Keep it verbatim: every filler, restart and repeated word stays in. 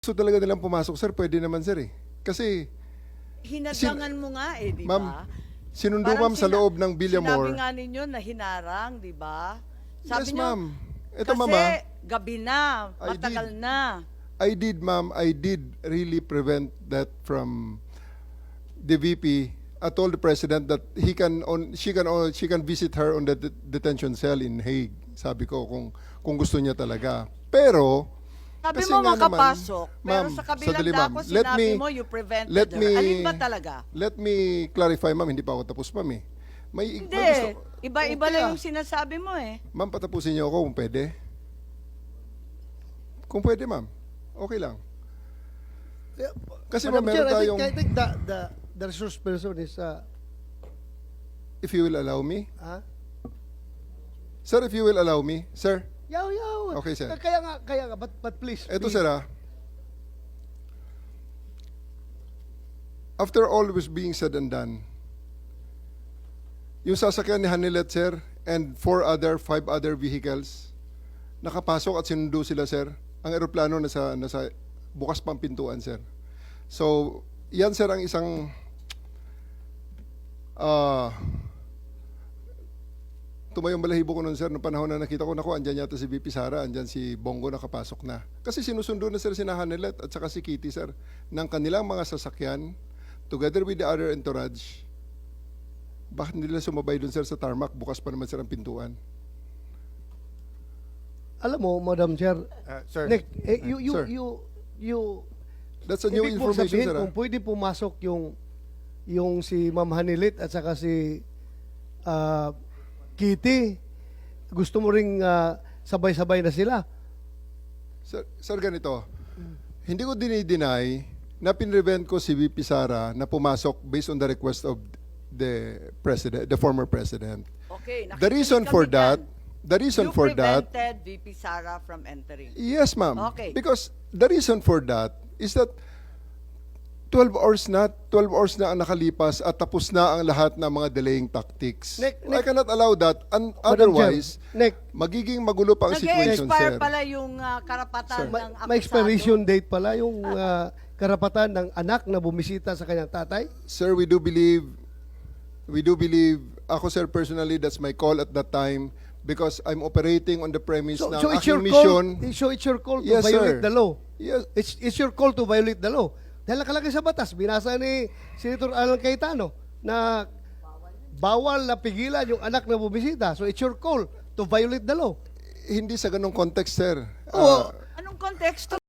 gusto talaga nilang pumasok, sir, pwede naman, sir, eh. Kasi, Hinadlangan mo nga eh, di ma'am, ba? sinundo, Parang ma'am, sa sina- loob ng Villamor. Sinabi nga ninyo na hinarang, di ba? Yes, nyo, ma'am. Ito, kasi ma'am, ah, gabi na, I matagal did. na. I did, ma'am, I did really prevent that from the V P. I told the president that he can on she can on, she can visit her on the det- detention cell in Hague. Sabi ko kung kung gusto niya talaga. Pero Sabi kasi mo nga naman, makapasok, pero ma'am, sa kabilang sandali, ma'am. dako Let sinabi me- mo you prevented let her. me- Alin ba talaga? Let me clarify, ma'am, hindi pa ako tapos, ma'am, eh. May, Hindi, may gusto- iba-iba Okay, lang ah. yung sinasabi mo eh. Ma'am, patapusin niyo ako kung pwede. Kung pwede, ma'am. Okay lang. Kasi, ma'am, Madam meron Chair, I tayong, think, I think the, the, the resource person is, uh, if you will allow me. ah, Sir, if you will allow me. Sir, yaw, yaw. Okay, sir. Kaya nga, kaya nga, but, but please. eto, be- sir, ah. After all was being said and done, yung sasakyan ni Hanilet, sir, and four other, five other vehicles, nakapasok at sinundo sila, sir. Ang eroplano nasa, nasa bukas pang pintuan, sir. So, yan, sir, ang isang ah tumayong balahibo ko nun, sir, noong panahon na nakita ko, naku, andyan yata si V P Sara, andyan si Bongo nakapasok na. Kasi sinusundo na, sir, si Hanilet at saka si Kitty, sir, ng kanilang mga sasakyan, together with the other entourage. Bakit nila sumabay dun, sir, sa tarmac? Bukas pa naman, sir, ang pintuan. Alam mo, Madam Chair, Uh, sir, Nick, eh, you, you, Sir. you, you, That's a new ibig mo information, sabihin sir. ah. kung pwede pumasok yung, yung si Ma'am Hanilit at saka si ah, Kitty, gusto mo ring ah, sabay-sabay na sila. Sir, sir, ganito. Hindi ko dinideny na pinrevent ko si V P Sara na pumasok based on the request of the president, the former president. Okay, The reason nakikinig for kami that, dyan. the reason You for that, prevented V P Sara from entering. yes, ma'am. Okay. Because the reason for that is that twelve hours na, twelve hours na ang nakalipas at tapos na ang lahat ng mga delaying tactics. Nick, I Nick- cannot allow that. And Madam otherwise, Chair, Nick, magiging magulo pa ang situation, Nag-expire sir. pala yung ah, karapatan ma- ng akusado. may expiration date pala yung ah, karapatan ng anak na bumisita sa kanyang tatay. Sir, we do believe, we do believe, ako, sir, personally, that's my call at that time because I'm operating on the premise So, na so ang it's your aking call, mission. so it's your call to Yes, violate sir. the law. Yes, It's, it's your call to violate the law. Dahil nakalagay sa batas, binasa ni Senator Alan Cayetano na bawal na pigilan yung anak na bumisita. So it's your call to violate the law. hindi sa ganong context, sir. Oo. Ah, Anong konteksto?